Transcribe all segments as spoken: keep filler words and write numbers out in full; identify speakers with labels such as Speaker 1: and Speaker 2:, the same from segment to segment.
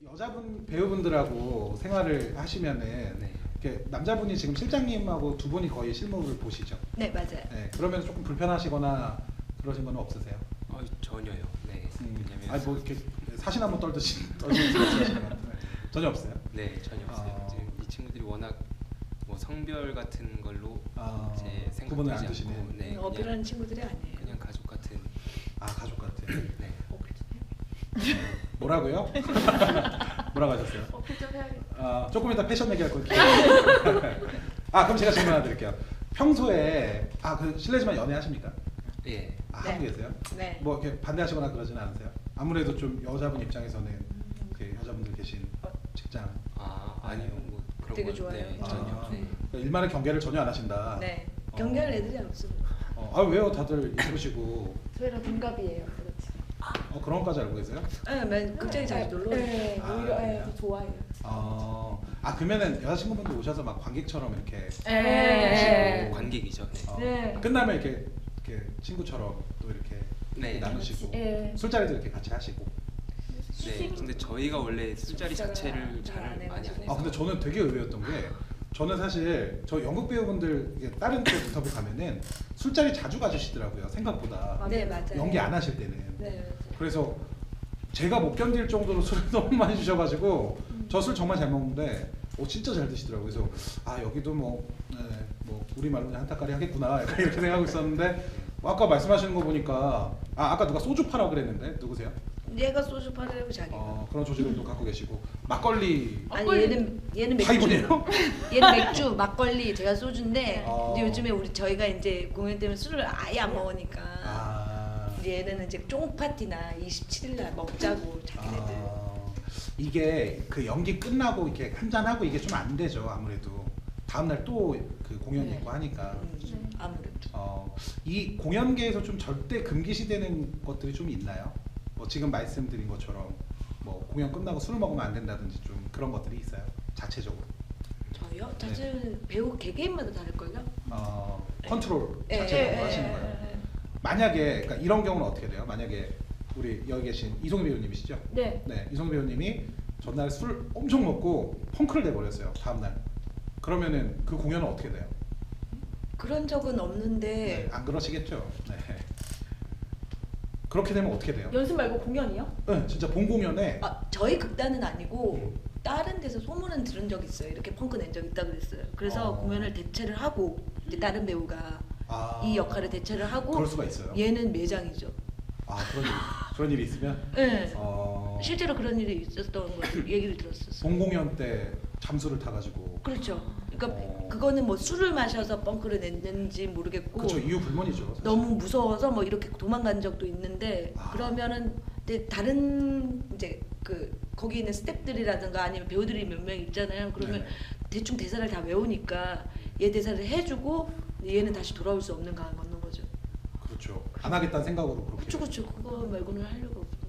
Speaker 1: 여자분 배우분들하고 생활을 하시면은
Speaker 2: 네.
Speaker 1: 이렇게 남자분이 지금 실장님하고 두 분이 거의 실무를 보시죠.
Speaker 3: 네, 맞아요.
Speaker 1: 네, 그러면 조금 불편하시거나 그러신 건 없으세요?
Speaker 2: 어, 전혀요. 네.
Speaker 1: 음,
Speaker 2: 왜냐면
Speaker 1: 아니 뭐 이렇게 사신 한번 떨듯이 떨듯이 하시는 건 전혀 없어요.
Speaker 2: 네, 전혀 없어요.
Speaker 1: 아.
Speaker 2: 이제 이 친구들이 워낙 뭐 성별 같은 걸로
Speaker 1: 아,
Speaker 2: 이제
Speaker 1: 구분을 안
Speaker 2: 생각하지
Speaker 1: 두시네.
Speaker 2: 않고 네, 그냥,
Speaker 3: 어필하는 친구들이 아니에요.
Speaker 2: 그냥 가족 같은.
Speaker 1: 아 가족 같은.
Speaker 2: 네.
Speaker 3: 어필 좀 해요.
Speaker 1: 뭐라고요? 뭐라고 하셨어요?
Speaker 3: 어필 좀 해야겠다.
Speaker 1: 아 조금 이따 패션 얘기할 거예요. 아 그럼 제가 질문 하나 드릴게요. 평소에 아 그 실례지만 연애 하십니까?
Speaker 2: 예.
Speaker 1: 아,
Speaker 3: 네.
Speaker 1: 하고 계세요?
Speaker 3: 네.
Speaker 1: 뭐 이렇게 반대하시거나 그러진 않으세요? 아무래도 좀 여자분 입장에서는 이렇게 여자분들 계신 직장
Speaker 2: 아, 아니요. 뭐 그런
Speaker 3: 되게
Speaker 2: 건,
Speaker 3: 좋아요.
Speaker 2: 네,
Speaker 1: 아,
Speaker 2: 전혀. 네.
Speaker 1: 그러니까 일만의 경계를 전혀 안 하신다.
Speaker 3: 네.
Speaker 1: 어.
Speaker 3: 경계할 애들이 없습니다.
Speaker 1: 어, 아 왜요? 다들 예쁘시고
Speaker 4: 저희랑 동갑이에요. 그렇지.
Speaker 1: 어, 그런 것까지 알고 계세요?
Speaker 3: 네, 맨 극장에 자주 놀러 오죠.
Speaker 4: 네,
Speaker 1: 아,
Speaker 4: 오히려 예,
Speaker 1: 그래요?
Speaker 4: 더 좋아해요.
Speaker 1: 어, 아 그러면은 여자친구분들 오셔서 막 관객처럼 이렇게
Speaker 4: 네.
Speaker 2: 뭐 관객이죠. 네.
Speaker 1: 어,
Speaker 4: 네.
Speaker 1: 끝나면 이렇게 이렇게 친구처럼 또 이렇게
Speaker 2: 네.
Speaker 1: 나누시고
Speaker 4: 네.
Speaker 1: 술자리도 이렇게 같이 하시고.
Speaker 2: 네. 근데 저희가 원래 술자리 자체를
Speaker 3: 잘
Speaker 2: 잘
Speaker 3: 안
Speaker 2: 많이 안
Speaker 3: 해가지고.
Speaker 2: 해서.
Speaker 1: 아 근데 저는 되게 의외였던 게 저는 사실 저 연극 배우분들 이게 다른 쪽 인터뷰 가면은 술자리 자주 가주시더라고요 생각보다.
Speaker 3: 네, 맞아요.
Speaker 1: 연기 안 하실 때는.
Speaker 3: 네, 맞아요.
Speaker 1: 그래서 제가 못 견딜 정도로 술을 너무 많이 주셔가지고
Speaker 3: 음.
Speaker 1: 저 술 정말 잘 먹는데 오 진짜 잘 드시더라고요. 그래서 아 여기도 뭐, 네, 뭐 우리 말로 그냥 한타까리 하겠구나 약간 이렇게 생각하고 있었는데 뭐 아까 말씀하시는 거 보니까 아 아까 누가 소주 파라 그랬는데 누구세요?
Speaker 3: 얘가 소주 팔으려고 자기가.
Speaker 1: 어 그런 조직을 또 갖고 계시고 막걸리
Speaker 3: 아니
Speaker 4: 막걸리.
Speaker 3: 얘는 얘는
Speaker 1: 다
Speaker 3: 맥주.
Speaker 1: 이분이에요?
Speaker 3: 얘는 맥주, 막걸리, 제가 소주인데
Speaker 1: 아.
Speaker 3: 이제 요즘에 우리 저희가 이제 공연 때문에 술을 아예 안 먹으니까
Speaker 1: 아,
Speaker 3: 이제 얘네는 이제 쫑 파티나 이십칠 일 날 먹자고 자기네들.
Speaker 1: 아 이게 그 연기 끝나고 이렇게 한잔 하고 이게 좀 안 되죠 아무래도 다음 날 또 그 공연이
Speaker 3: 네.
Speaker 1: 있고 하니까.
Speaker 3: 음, 아무래도.
Speaker 1: 어, 이 공연계에서 좀 절대 금기시되는 것들이 좀 있나요? 뭐 지금 말씀드린 것처럼 뭐 공연 끝나고 술 먹으면 안 된다든지 좀 그런 것들이 있어요 자체적으로.
Speaker 3: 저요?
Speaker 1: 네.
Speaker 3: 사실 배우 개개인마다 다를걸요?
Speaker 1: 어, 컨트롤
Speaker 3: 예,
Speaker 1: 자체적으로
Speaker 3: 예,
Speaker 1: 하시는
Speaker 3: 예,
Speaker 1: 거예요.
Speaker 3: 예, 예.
Speaker 1: 만약에 그러니까 이런 경우는 어떻게 돼요? 만약에 우리 여기 계신 이송희 배우님이시죠?
Speaker 4: 네.
Speaker 1: 네, 이송희 배우님이 전날 술 엄청 먹고 펑크를 내버렸어요 다음 날. 그러면은 그 공연은 어떻게 돼요?
Speaker 3: 그런 적은 없는데
Speaker 1: 네, 안 그러시겠죠? 네. 그렇게 되면 어떻게 돼요?
Speaker 4: 연습 말고 공연이요?
Speaker 1: 네, 진짜 본 공연에
Speaker 3: 아, 저희 극단은 아니고
Speaker 1: 음.
Speaker 3: 다른 데서 소문은 들은 적 있어요. 이렇게 펑크 낸 적 있다 그랬어요. 그래서
Speaker 1: 어.
Speaker 3: 공연을 대체를 하고 이제 다른 배우가
Speaker 1: 아,
Speaker 3: 이 역할을 대체를 하고
Speaker 1: 그럴 수가 있어요.
Speaker 3: 얘는 매장이죠.
Speaker 1: 아 그런 일, 그런 일이 있으면
Speaker 3: 네.
Speaker 1: 어,
Speaker 3: 실제로 그런 일이 있었던 걸 얘기를 들었었어요.
Speaker 1: 본 공연 때 잠수를 타가지고
Speaker 3: 그렇죠. 그러니까
Speaker 1: 어.
Speaker 3: 그거는 뭐 술을 마셔서 펑크를 냈는지 모르겠고
Speaker 1: 그렇죠 이유 불문이죠. 사실.
Speaker 3: 너무 무서워서 뭐 이렇게 도망간 적도 있는데
Speaker 1: 아.
Speaker 3: 그러면은 이제 다른 이제 그 거기 있는 스태프들이라든가 아니면 배우들이 몇 명 있잖아요. 그러면
Speaker 1: 네네.
Speaker 3: 대충 대사를 다 외우니까 얘 대사를 해주고 얘는 다시 돌아올 수 없는 강을 건넌 거죠.
Speaker 1: 그렇죠. 안 하겠다는 생각으로 그렇게.
Speaker 3: 그쵸 그쵸 그거 말고는 하려고 없어.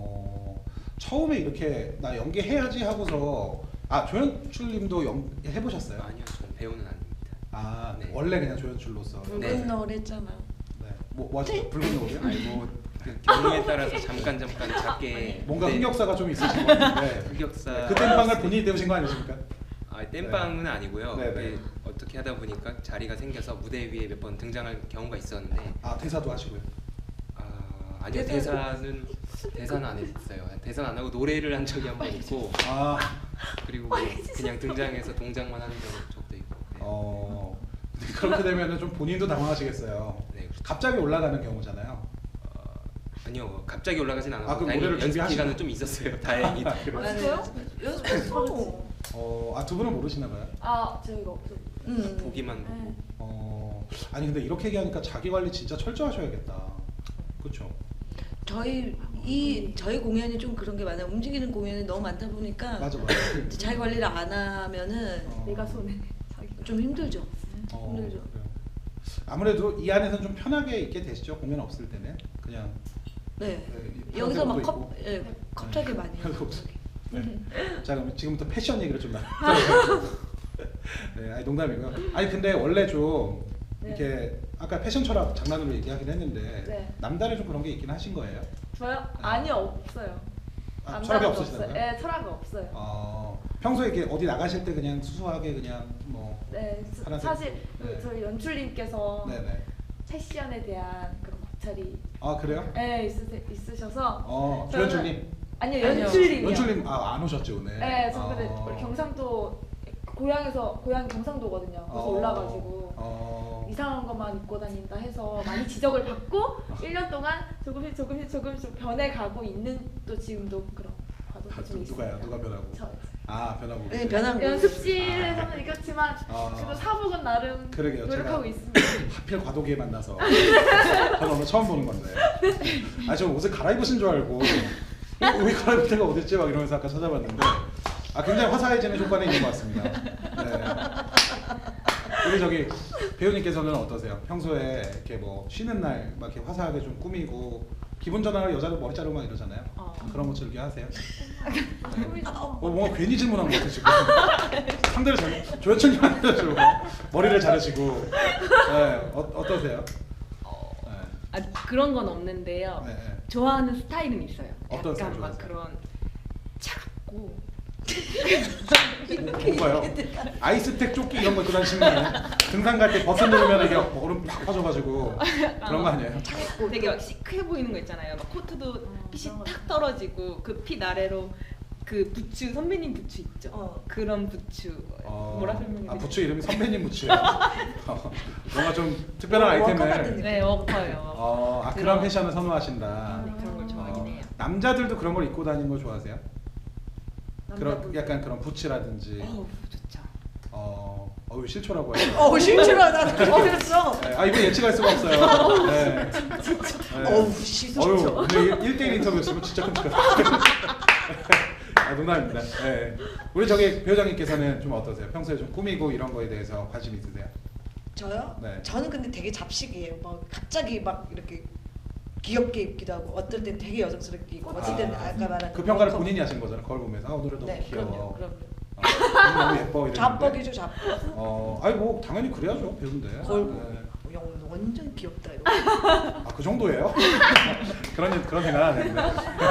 Speaker 1: 어 처음에 이렇게 나 연기해야지 하고서 아 조연출님도 연 해보셨어요?
Speaker 2: 아니요, 저는 배우는 아닙니다.
Speaker 1: 아
Speaker 2: 네.
Speaker 1: 원래 그냥 조연출로서.
Speaker 3: 붉은
Speaker 2: 네.
Speaker 3: 너울 했잖아.
Speaker 1: 네. 뭐, 뭐 하셨죠? 붉은 노을이요?
Speaker 2: 아니 뭐그 경우에 따라서 잠깐 잠깐 작게
Speaker 1: 뭔가
Speaker 2: 네,
Speaker 1: 흑역사가 좀 있으신 것 같은데.
Speaker 2: 흑역사.
Speaker 1: 그 땜빵을 본인이 때우신 거 아니십니까?
Speaker 2: 아, 땜빵은 아니고요.
Speaker 1: 네,
Speaker 2: 그게
Speaker 1: 네.
Speaker 2: 어떻게 하다 보니까 자리가 생겨서 무대 위에 몇 번 등장할 경우가 있었는데
Speaker 1: 아 대사도 하시고요.
Speaker 2: 아, 아니요, 대사는 대사는 안 했어요. 대사는 안 하고 노래를 한 적이 한 번 있고
Speaker 1: 아
Speaker 2: 그리고 뭐 그냥 등장해서 동작만 하는 적도 있고. 네.
Speaker 1: 어. 근데 그렇게 되면은 좀 본인도 당황하시겠어요.
Speaker 2: 네, 그렇죠.
Speaker 1: 갑자기 올라가는 경우잖아요.
Speaker 2: 어, 아니요, 갑자기 올라가진 않았고
Speaker 1: 아, 그럼
Speaker 2: 다행히
Speaker 1: 노래를
Speaker 2: 연습
Speaker 1: 준비하시나?
Speaker 2: 기간은 좀 있었어요. 다행히.
Speaker 1: 아, 그래요?
Speaker 4: 연습해요?
Speaker 3: 연습했어.
Speaker 1: 어, 아 두 분은 모르시나 봐요.
Speaker 4: 아 저희가 없어.
Speaker 3: 음.
Speaker 2: 보기만 보고.
Speaker 4: 네.
Speaker 1: 어, 아니 근데 이렇게 얘기하니까 자기 관리 진짜 철저하셔야겠다. 그렇죠.
Speaker 3: 저희 이 저희 공연이 좀 그런 게 많아요. 움직이는 공연이 너무 많다 보니까
Speaker 1: 맞아 맞아.
Speaker 3: 자기 관리를 안 하면은
Speaker 1: 어.
Speaker 4: 내가 손에 자기.
Speaker 3: 좀 힘들죠.
Speaker 1: 어,
Speaker 3: 힘들죠.
Speaker 1: 그래요. 아무래도 이 안에서는 좀 편하게 있게 되시죠. 공연 없을 때는 그냥
Speaker 3: 네.
Speaker 1: 네,
Speaker 3: 여기서 막
Speaker 1: 편하게
Speaker 3: 컵,
Speaker 1: 입고.
Speaker 3: 예, 컵차게 많이 해요.
Speaker 1: 별거 없어. 네. 자 그럼 지금부터 패션 얘기를 좀 나. 네, 아니 농담이고요. 아니 근데 원래 좀
Speaker 4: 네.
Speaker 1: 이렇게 아까 패션 철학 장난으로 얘기하긴 했는데
Speaker 4: 네.
Speaker 1: 남다른 좀 그런 게 있긴 하신 거예요?
Speaker 4: 저요? 아니요 없어요.
Speaker 1: 아,
Speaker 4: 남자는
Speaker 1: 철학이
Speaker 4: 없어요.
Speaker 1: 없으시다고요?
Speaker 4: 네, 철학이 없어요.
Speaker 1: 어, 평소에 이렇게 어디 나가실 때 그냥 수수하게 그냥 뭐
Speaker 4: 네, 사-
Speaker 1: 파란색.
Speaker 4: 사실 그
Speaker 1: 네.
Speaker 4: 저희 연출님께서
Speaker 1: 네네.
Speaker 4: 패션에 대한 그런 관찰이
Speaker 1: 아 그래요?
Speaker 4: 네, 있으, 있으셔서
Speaker 1: 어
Speaker 4: 저는-
Speaker 1: 조연출님.
Speaker 4: 아니요
Speaker 3: 아니요.
Speaker 4: 연출님이요.
Speaker 1: 연출님 아 안 오셨죠 오늘?
Speaker 4: 네, 저 근데
Speaker 1: 어.
Speaker 4: 우리 경상도 고향에서 고향 경상도거든요. 그래서
Speaker 1: 어.
Speaker 4: 올라가지고
Speaker 1: 어.
Speaker 4: 이상한 것만 입고 다닌다 해서 많이 지적을 받고 일 년 동안 조금씩 조금씩 조금씩 변해가고 있는 또 지금도 그런 과정이
Speaker 1: 아,
Speaker 4: 좀
Speaker 1: 누- 누가요?
Speaker 4: 있습니다.
Speaker 1: 누가 변하고?
Speaker 4: 저
Speaker 1: 아 변하고.
Speaker 3: 네,
Speaker 1: 계세요?
Speaker 3: 변한 거.
Speaker 4: 연습실에서는 이겼지만
Speaker 1: 아.
Speaker 4: 그래도 사복은 나름
Speaker 1: 그러게요.
Speaker 4: 노력하고
Speaker 1: 제가
Speaker 4: 있습니다.
Speaker 1: 하필 과도기에 만나서 저는 오늘 처음 보는 건데. 아 저 옷을 갈아입으신 줄 알고 어, 왜 갈아입을 데가 어딨지 막 이러면서 아까 찾아봤는데 아 굉장히 화사해지는 효과는 있는 것 같습니다. 네. 우리 저기 배우님께서는 어떠세요? 평소에 이렇게 뭐 쉬는 날 막 이렇게 화사하게 좀 꾸미고 기분 전환을 여자들 머리 자르고 막 이러잖아요.
Speaker 4: 어.
Speaker 1: 그런 거 즐겨 하세요? 네.
Speaker 4: 어.
Speaker 1: 어, 뭔가 괜히 질문한 것 같아 지금. 상대를 잘 조연출님한테 좀 머리를 자르시고. 네. 어, 어떠세요? 네.
Speaker 5: 아 그런 건 없는데요.
Speaker 1: 네, 네.
Speaker 5: 좋아하는 스타일은 있어요.
Speaker 1: 어떤 스타일
Speaker 5: 약간 막
Speaker 1: 좋아하세요?
Speaker 5: 그런 차갑고
Speaker 1: 뭐, 뭔가요? 아이스텍 조끼 이런 거 입고 다니시는 거 아니에요? 등산 갈 때 버튼 누르면 이게 얼음 팍 빠져가지고 그런 거 아니에요?
Speaker 5: 되게 막 시크해 보이는 거 있잖아요. 막 코트도 핏이
Speaker 4: 그런 거
Speaker 5: 탁 떨어지고 그 핏 아래로 그 부츠 선배님 부츠 있죠.
Speaker 3: 어.
Speaker 5: 그런 부츠
Speaker 1: 어,
Speaker 5: 뭐라 설명해야
Speaker 1: 아
Speaker 5: 되지?
Speaker 1: 부츠 이름이 선배님 부츠예요. 어, 뭔가 좀 특별한
Speaker 3: 워커 같은
Speaker 1: 아이템을.
Speaker 3: 느낌.
Speaker 5: 네 워커요.
Speaker 1: 어, 아 그런
Speaker 5: 그런-
Speaker 1: 패션을 선호하신다.
Speaker 5: 네, 그런 걸 좋아하긴
Speaker 1: 어,
Speaker 5: 해요.
Speaker 1: 남자들도 그런 걸 입고 다니는 거 좋아하세요? 그런
Speaker 4: 남자분.
Speaker 1: 약간 그런 부츠라든지.
Speaker 5: 어우 좋죠.
Speaker 1: 어, 어우 실초라고 해요.
Speaker 3: 어 실추하다. 그랬어.
Speaker 1: 네, 아 이분 예측할 수가 없어요. 네. 네.
Speaker 3: 어우 시소죠.
Speaker 1: 어휴, 오늘 일 대일 인터뷰였으면 진짜 끔찍하다. 아, 농담입니다. 네. 우리 저기 배우장님께서는 좀 어떠세요? 평소에 좀 꾸미고 이런 거에 대해서 관심 있으세요?
Speaker 3: 저요?
Speaker 1: 네.
Speaker 3: 저는 근데 되게 잡식이에요. 막 갑자기 막 이렇게 귀엽게 입기도 하고 어떨 땐 되게 여성스럽게 입고 어떨 때는
Speaker 1: 아,
Speaker 3: 아까 말한
Speaker 1: 그 평가를
Speaker 3: 워커.
Speaker 1: 본인이 하신 거잖아요. 거울 보면서 아, 오늘은 너무
Speaker 3: 네,
Speaker 1: 귀여워.
Speaker 3: 그럼요, 그럼요.
Speaker 1: 어, 오늘 너무 예뻐 이랬는데.
Speaker 3: 잡벅이죠, 잡벅.
Speaker 1: 어, 아니 뭐 당연히 그래야죠 배우인데.
Speaker 3: 거울
Speaker 1: 네.
Speaker 3: 보고 영 완전 귀엽다 이러고.
Speaker 1: 아 그 정도예요? 그런 그런 생각 안 했는데.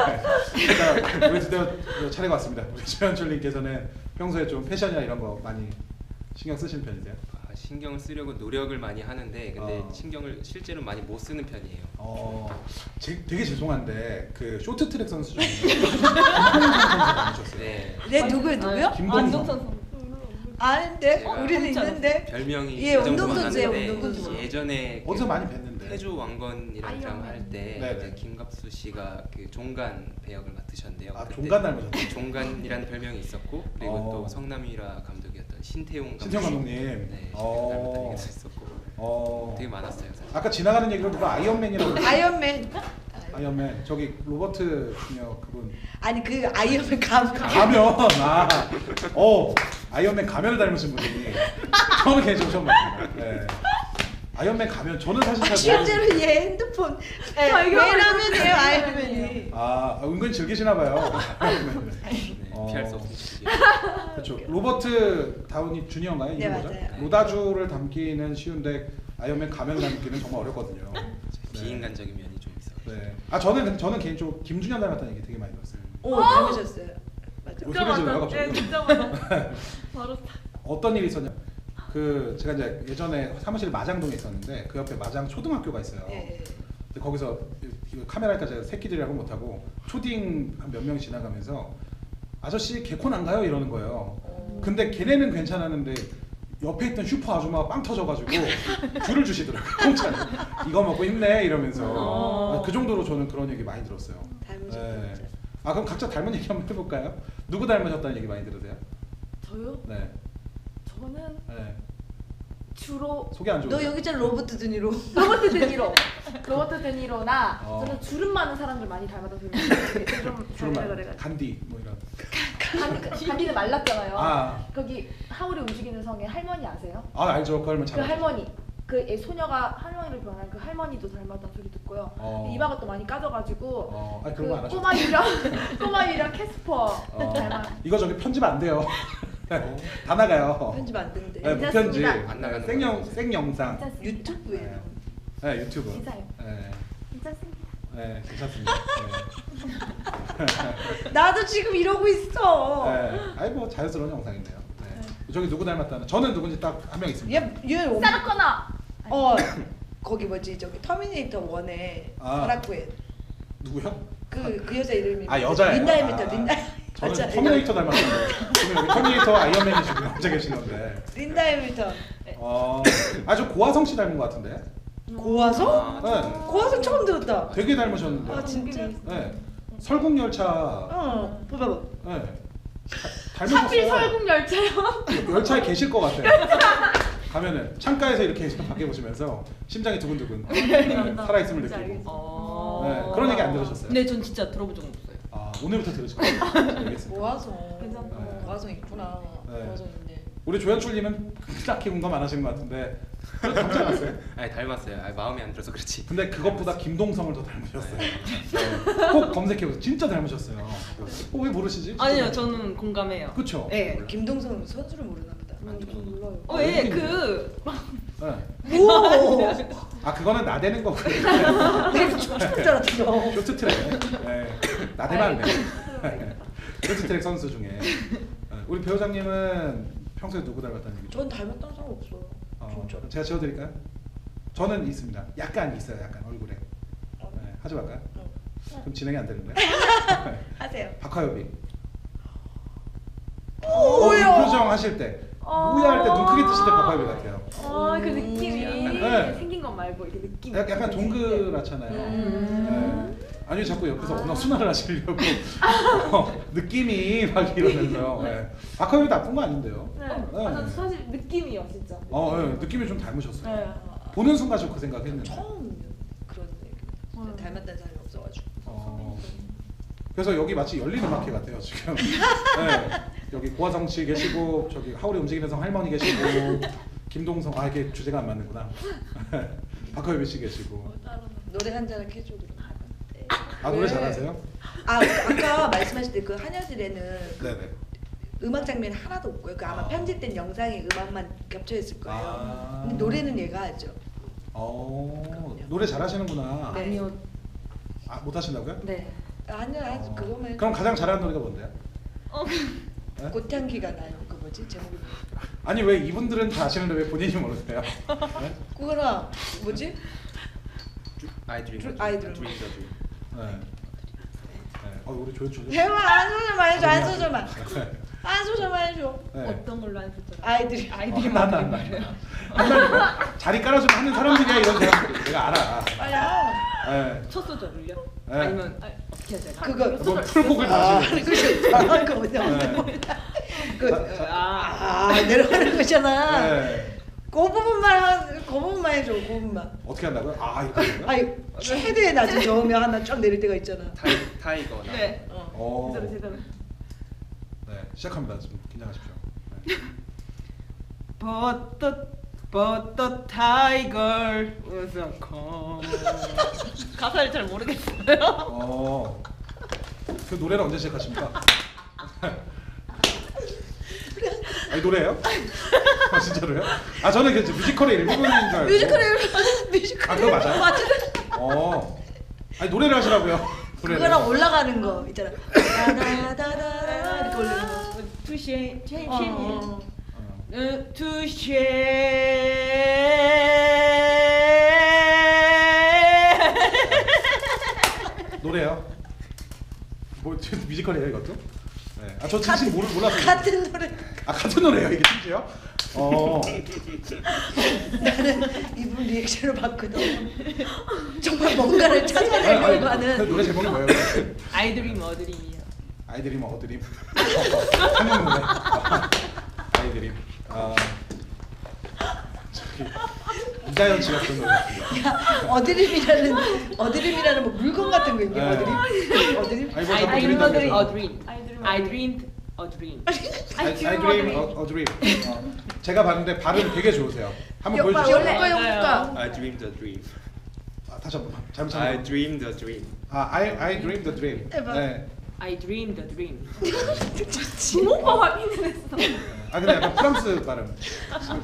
Speaker 1: 자 우리 드디어 차례가 왔습니다. 우리 조연출님께서는 평소에 좀 패션이나 이런 거 많이 신경 쓰시는 편이세요?
Speaker 2: 아, 신경을 쓰려고 노력을 많이 하는데 근데
Speaker 1: 어.
Speaker 2: 신경을 실제로 많이 못 쓰는 편이에요.
Speaker 1: 어, 제, 되게 죄송한데 그 쇼트트랙 선수 중에 김동성 선수 아니셨어요?
Speaker 2: 네.
Speaker 3: 네 누구요, 누구요?
Speaker 1: 김동성.
Speaker 5: 안동 선수.
Speaker 3: 아는데
Speaker 2: 제가
Speaker 3: 우리는
Speaker 5: 진짜
Speaker 3: 있는데.
Speaker 2: 별명이
Speaker 3: 예,
Speaker 2: 그 정도만
Speaker 3: 운동선수예요,
Speaker 2: 아는데
Speaker 3: 운동선수.
Speaker 2: 예전에
Speaker 1: 어디서
Speaker 2: 그
Speaker 1: 많이 뵀는데.
Speaker 2: 태조 왕건이라는 드라마 할 때
Speaker 1: 네네.
Speaker 2: 이제 김갑수 씨가 그 종간 배역을 맡으셨는데요.
Speaker 1: 아
Speaker 2: 그때
Speaker 1: 종간 닮으셨어요?
Speaker 2: 종간이라는 별명이 있었고 그리고
Speaker 1: 어.
Speaker 2: 또 성남유라 감독이었던 신태용 감독.
Speaker 1: 신태용 감독님.
Speaker 2: 네.
Speaker 1: 어.
Speaker 2: 닮았다는 얘기도 있었고
Speaker 1: 어.
Speaker 2: 되게 많았어요. 사실.
Speaker 1: 아까 지나가는 얘기로 누가 아이언맨이라고 그랬어요?
Speaker 3: 아이언맨.
Speaker 1: 아이언맨 저기 로버트 중요 그분
Speaker 3: 아니 그 아이언맨 감.
Speaker 1: 가면 아, 어 아이언맨 가면을 닮으신 분이 저는 개인적으로 처음 봤습니다. 네. 아이언맨 가면 저는 사실
Speaker 3: 아,
Speaker 1: 잘
Speaker 3: 실제로
Speaker 1: 모르는.
Speaker 3: 얘 핸드폰
Speaker 4: 아, 이거
Speaker 3: 왜냐면요 아이언맨이.
Speaker 1: 아 은근 즐기시나 봐요.
Speaker 2: 네,
Speaker 1: 어.
Speaker 2: 피할 수 없는 시기.
Speaker 1: 그렇죠. 로버트 다우니 주니어인가요?
Speaker 3: 네,
Speaker 1: 이름 뭐죠?
Speaker 3: 맞아요.
Speaker 1: 로다주를 담기는 쉬운데 아이언맨 가면 담기는 정말 어렵거든요.
Speaker 2: 비인간적인 면이 좀 있어요.
Speaker 1: 네. 아 저는 저는 개인적으로 김준현 닮았다는 얘기 되게 많이 들었어요.
Speaker 3: 오 닮으셨어요. 맞아.
Speaker 1: 뭐 소리 질러요,
Speaker 4: 네,
Speaker 1: 갑자기?
Speaker 4: 진짜 맞아. 바로 딱.
Speaker 1: 어떤 일이 있었냐? 그 제가 이제 예전에 사무실 마장동에 있었는데 그 옆에 마장 초등학교가 있어요.
Speaker 3: 예, 예.
Speaker 1: 근데 거기서 이거 카메라니까 제가 새끼들이라고 못하고 초딩 한 몇 명 지나가면서 아저씨 개콘 안 가요? 이러는 거예요. 근데 걔네는 괜찮았는데 옆에 있던 슈퍼 아줌마가 빵 터져가지고 줄을 주시더라고요. 공짜로. 이거 먹고 힘내 이러면서
Speaker 4: 어.
Speaker 1: 그 정도로 저는 그런 얘기 많이 들었어요.
Speaker 3: 닮으셨죠.
Speaker 1: 네. 아 그럼 각자 닮은 얘기 한번 해볼까요? 누구 닮으셨다는 얘기 많이 들으세요?
Speaker 4: 저요?
Speaker 1: 네.
Speaker 4: 저는
Speaker 1: 네.
Speaker 4: 주로
Speaker 1: 소개 안 좋은데.
Speaker 3: 너 여기 있잖아 로버트 드니로.
Speaker 4: 로버트 데니로. 로버트 데니로나
Speaker 1: 어.
Speaker 4: 저는 주름 많은 사람들 많이 닮아서 주름 주름
Speaker 1: 주름
Speaker 4: 잘
Speaker 1: 말
Speaker 4: 그래가지고.
Speaker 1: 간디 뭐 이런.
Speaker 4: 간- 간디는 말랐잖아요.
Speaker 1: 아.
Speaker 4: 거기 하울이 움직이는 성의 할머니 아세요?
Speaker 1: 아 알죠. 그 할머니
Speaker 4: 그
Speaker 1: 잘. 알죠.
Speaker 4: 할머니 그 애 소녀가 할머니를 변한 그 할머니도 닮았다는 소리 듣고요.
Speaker 1: 어.
Speaker 4: 이마가 또 많이 까져가지고
Speaker 1: 어, 아니
Speaker 4: 그
Speaker 1: 그런 거 안 하셨죠.
Speaker 4: 꼬마 유령 꼬마 유령 캐스퍼
Speaker 1: 어,
Speaker 4: 닮아.
Speaker 1: 이거 저기 편집 안 돼요. 다 나가요.
Speaker 3: 편집 안 된대.
Speaker 1: 네, 무편집.
Speaker 4: 괜찮습니다.
Speaker 2: 안 나가는
Speaker 1: 생영
Speaker 2: 거예요.
Speaker 1: 생영상.
Speaker 4: 괜찮습니다.
Speaker 3: 유튜브에.
Speaker 1: 네, 유튜브.
Speaker 4: 진짜요?
Speaker 1: 네.
Speaker 4: 괜찮습니다.
Speaker 1: 네, 괜찮습니다. 네.
Speaker 3: 나도 지금 이러고 있어.
Speaker 1: 네. 아니 뭐 자연스러운 영상인데요. 네. 저기 누구 닮았다는? 저는 누군지 딱 한 명 있습니다.
Speaker 3: 얘, 얘 엄-
Speaker 4: 사라 코너.
Speaker 3: 어 거기 뭐지 저기 터미네이터 원에
Speaker 1: 아.
Speaker 3: 사라코에
Speaker 1: 누구요?
Speaker 3: 그 그 여자 이름이
Speaker 1: 아, 여자예요?
Speaker 3: 린다 해밀턴
Speaker 1: 아.
Speaker 3: 린다
Speaker 1: 저는
Speaker 3: 여자,
Speaker 1: 터미네이터 닮았는데 지금 여기 터미네이터 아이언맨이 지금 앉아 계신 건데.
Speaker 3: 린다 해밀턴
Speaker 1: 어, 아주 고화성 씨 닮은 것 같은데.
Speaker 3: 고화성?
Speaker 2: 아,
Speaker 1: 네.
Speaker 3: 고화성 처음 들었다.
Speaker 1: 되게 닮으셨는데.
Speaker 3: 아 진짜?
Speaker 1: 네. 설국열차.
Speaker 3: 어 봐봐.
Speaker 1: 네. 다-
Speaker 4: 하필
Speaker 1: 닮으셨어요.
Speaker 4: 설국 열차요.
Speaker 1: 열차에 계실 것 같아요. 가면은 창가에서 이렇게 밖에 보시면서 심장이 두근두근 네, 살아있음을
Speaker 5: 진짜
Speaker 1: 느끼고.
Speaker 5: 알겠어.
Speaker 3: 어.
Speaker 1: 네, 그런 얘기 안 들으셨어요?
Speaker 5: 네, 전 진짜 들어본 적은 없어요.
Speaker 1: 아, 오늘부터 들으실 거예요. 알겠습니다.
Speaker 3: 고화성.
Speaker 4: 괜찮다.
Speaker 1: 네.
Speaker 3: 고화성 있구나.
Speaker 1: 네.
Speaker 3: 고화성인데.
Speaker 1: 우리 조연출님은 딱히 공감 안 하시는 것 같은데 닮지 않았어요?
Speaker 2: 아니 닮았어요. 아니, 마음에 안 들어서 그렇지.
Speaker 1: 근데 그것보다 김동성을 더 닮으셨어요. 네. 꼭 검색해보세요. 진짜 닮으셨어요. 어, 왜 모르시지?
Speaker 5: 아니요, 저는 공감해요.
Speaker 1: 그쵸?
Speaker 5: 네.
Speaker 3: 김동성 선수를 모르나 보다.
Speaker 2: 안
Speaker 4: 저
Speaker 2: 좋아.
Speaker 4: 몰라요.
Speaker 5: 어, 예, 그
Speaker 1: 네.
Speaker 3: 오.
Speaker 1: 아 그거는 나대는 거고
Speaker 3: 내가 춤출 줄 알았어.
Speaker 1: 쇼트트랙. 네. 나대면 안 돼. 쇼트트랙 선수 중에 네. 우리 배우장님은 평소에 누구 닮았다는 얘기죠?
Speaker 3: 전 닮았다는 사람 없어요.
Speaker 1: 어,
Speaker 3: 진짜.
Speaker 1: 제가 지워드릴까요? 저는 있습니다. 약간 있어요. 약간 얼굴에. 네. 하지 말까요?
Speaker 3: 어.
Speaker 1: 그럼 진행이 안 되는데.
Speaker 3: 하세요.
Speaker 1: 박하엽이.
Speaker 3: 오,
Speaker 1: 어, 이
Speaker 3: 왜요?
Speaker 1: 표정 하실 때
Speaker 4: 어.
Speaker 1: 뭐야 할 때 눈 크게 뜨실 때 박하엽이 같아요.
Speaker 4: 어, 그 느낌이
Speaker 1: 네.
Speaker 4: 생긴 것 말고 이렇게 느낌.
Speaker 1: 약- 약간 동그랗잖아요.
Speaker 3: 음.
Speaker 1: 네. 아니 자꾸 옆에서 언어 순환을 하시려고 어, 느낌이 막 이러면서 네. 박하엽이 나쁜 거 아닌데요.
Speaker 4: 네.
Speaker 1: 네.
Speaker 4: 아, 저 사실 느낌이요, 진짜.
Speaker 1: 어, 네. 느낌이 좀 닮으셨어요.
Speaker 4: 네.
Speaker 1: 보는 순간 저 그 생각했는데.
Speaker 3: 처음 그런 얘기.
Speaker 4: 음.
Speaker 3: 닮았다는 사람이 없어가지고.
Speaker 1: 어, 그래서 여기 마치 열린 음악회 같아요 지금. 네. 여기 고화성 씨 계시고 저기 하울이 움직이는 성 할머니 계시고 김동성 아 이게 주제가 안 맞는구나. 박하엽 씨 계시고.
Speaker 3: 노래 한 잔을 해줘 그럼.
Speaker 1: 아 노래
Speaker 3: 왜?
Speaker 1: 잘하세요?
Speaker 3: 아 아까 말씀하실 때 그 한여실에는
Speaker 1: 네네.
Speaker 3: 음악 장면 하나도 없고요. 그 아마
Speaker 1: 아.
Speaker 3: 편집된 영상에 음악만 겹쳐 있을 거예요.
Speaker 1: 아.
Speaker 3: 근데 노래는 얘가 하죠.
Speaker 1: 어
Speaker 3: 그럼요.
Speaker 1: 노래 잘하시는구나.
Speaker 3: 네.
Speaker 5: 아니요.
Speaker 1: 아 못하신다고요?
Speaker 5: 네.
Speaker 3: 한여 한
Speaker 1: 어.
Speaker 3: 그거면
Speaker 1: 그럼 가장 잘하는 노래가 뭔데요?
Speaker 5: 어,
Speaker 1: 네?
Speaker 3: 꽃향기가 나요. 그 뭐지 제목이 뭐야?
Speaker 1: 아니 왜 이분들은 다 아시는데 왜 본인이 모르세요? 네?
Speaker 3: 그거나 뭐지?
Speaker 2: I dream.
Speaker 3: I dream.
Speaker 2: dream the dream.
Speaker 1: 네. 네. 어 우리 조연출.
Speaker 3: 대화 한 소절만 해줘. 한 소절만.
Speaker 1: 네.
Speaker 3: 한 소절만 해줘.
Speaker 1: 네.
Speaker 5: 어떤 걸로 안 썼죠?
Speaker 3: 아이들이
Speaker 5: 아이들이
Speaker 1: 어, 한다, 한다, 한다, 한다. 자리 깔아주면 하는 사람들이야 이런 사람들 내가 알아.
Speaker 3: 빨리 하.
Speaker 1: 네.
Speaker 5: 첫 소절을요?
Speaker 1: 네.
Speaker 5: 아니면 아, 어떻게 해야 되나?
Speaker 3: 그거
Speaker 1: 뭐 풀곡을
Speaker 3: 아,
Speaker 1: 다 하시는.
Speaker 3: 그치. 아, 그거 뭐냐.
Speaker 1: 네.
Speaker 3: 그,
Speaker 1: 자, 자,
Speaker 5: 아,
Speaker 3: 아, 내려가는 거잖아.
Speaker 1: 네.
Speaker 3: 그 부분만, 하- 그 부분만 해줘, 그 부분만.
Speaker 1: 어떻게 한다고요? 아 이거. 하는 거야?
Speaker 3: 아니, 최대의 낮은 저으면 하나 쫙 내릴 때가 있잖아.
Speaker 2: 타이 타이거. 나.
Speaker 5: 네.
Speaker 3: 어.
Speaker 1: 어.
Speaker 4: 제대로 제대로.
Speaker 1: 네 시작합니다. 좀 긴장하십시오. 네.
Speaker 5: But the but the tiger was a calm. 가사를 잘 모르겠어요.
Speaker 1: 어. 그 노래를 언제 시작하십니까? 아니 노래예요? 아 진짜로요? 아 저는 그 뮤지컬의 일부분인 줄 알고.
Speaker 3: 뮤지컬에, 뮤지컬에.
Speaker 1: 아, 그거 맞아요?
Speaker 3: 맞아.
Speaker 1: 어. 아니 노래를 하시라고요. 노래를.
Speaker 3: 그거랑 올라가는 거 있잖아. 다다다다다 이렇게 올리는 거.
Speaker 5: 투쉐 쉐
Speaker 3: 어, 어.
Speaker 1: 어.
Speaker 5: 투쉐
Speaker 1: 노래요? 뭐 뮤지컬이에요 이것도? 네. 아저 진심 모르 몰랐어요.
Speaker 3: 같은 노래.
Speaker 1: 아 같은 노래예요 이게 심지어? 어.
Speaker 3: 나는 이분 리액션을 봤거든. 정말 뭔가를
Speaker 1: 아니,
Speaker 3: 찾아내려고
Speaker 1: 아니, 그
Speaker 3: 하는.
Speaker 1: 노래 제목이 뭐예요?
Speaker 5: 아이들이 머드림이요.
Speaker 1: 아이드림 어드림. 한국 노래. 아이드림. 아. 저기 이자연 씨가 부른 노래 같은데.
Speaker 3: 야, 어드림이라는 어드림이라는 뭐 물건 같은 거 있냐?
Speaker 1: 네.
Speaker 3: 어드림? 어드림?
Speaker 1: 아니 뭐
Speaker 5: I
Speaker 1: 자꾸
Speaker 5: dreamed
Speaker 1: 드린다고
Speaker 5: a
Speaker 1: 해서.
Speaker 5: dream.
Speaker 4: I dream
Speaker 5: I
Speaker 4: a
Speaker 5: dreamed a dream.
Speaker 1: I, I dream a, a dream. 어. 제가 봤는데 발음 되게 좋으세요. 한번
Speaker 3: 오빠
Speaker 1: 보여주세요.
Speaker 3: 원래 거 해볼까?
Speaker 2: I dream the dream.
Speaker 1: 아, 다시 한번 잘못
Speaker 2: I
Speaker 1: 찾은
Speaker 2: dream the dream.
Speaker 1: 아, I I dream the dream.
Speaker 3: 해봐.
Speaker 1: 네.
Speaker 5: I dreamed a dream.
Speaker 4: 부모가 확인을 했어.
Speaker 1: 아 근데 약간 프랑스 발음.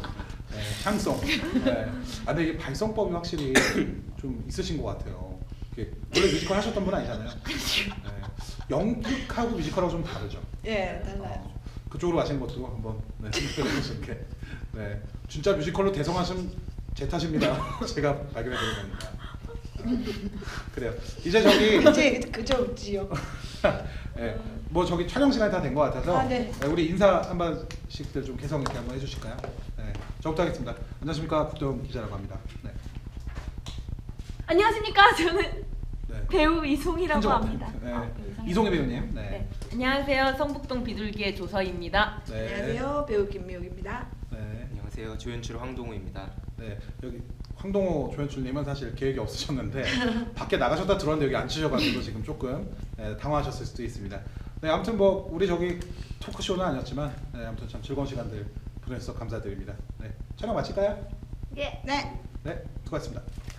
Speaker 1: 네, 샹송. 네. 아 근데 이게 발성법이 확실히 좀 있으신 것 같아요. 이렇게 원래 뮤지컬 하셨던 분 아니잖아요. 네. 연극하고 뮤지컬하고 좀 다르죠.
Speaker 3: 예, 달라요.
Speaker 1: 어, 그쪽으로 가시는 것도 한번 네, 생각해 보시는 게 네, 진짜 뮤지컬로 대성하신 제 탓입니다. 제가 발견해 드린 겁니다. 아, 그래요. 이제 저기
Speaker 3: 이제 그저 웃지요.
Speaker 1: 네, 뭐 저기 촬영 시간이 다 된 것 같아서
Speaker 3: 아, 네.
Speaker 1: 네, 우리 인사 한 번씩들 좀 개성 있게 한번 해주실까요? 네, 저부터 하겠습니다. 안녕하십니까, 국정 기자라고 합니다. 네,
Speaker 4: 안녕하십니까? 저는
Speaker 1: 네.
Speaker 4: 배우 이송이라고
Speaker 1: 한정
Speaker 4: 합니다.
Speaker 1: 네.
Speaker 4: 아, 이송이.
Speaker 1: 이송혜 배우님. 네.
Speaker 5: 네. 안녕하세요. 성북동 비둘기의 조서입니다.
Speaker 1: 네.
Speaker 3: 안녕하세요, 배우 김미옥입니다.
Speaker 1: 네.
Speaker 2: 안녕하세요. 조연출 황동우입니다.
Speaker 1: 네, 여기 황동호 조연출님은 사실 계획이 없으셨는데 밖에 나가셨다 들어왔는데 여기 앉으셔가지고 지금 조금 네, 당황하셨을 수도 있습니다. 네, 아무튼 뭐 우리 저기 토크쇼는 아니었지만 네, 아무튼 참 즐거운 시간들 보내주셔서 감사드립니다. 네, 촬영 마칠까요?
Speaker 4: 예.
Speaker 3: 네.
Speaker 1: 네, 수고하셨습니다.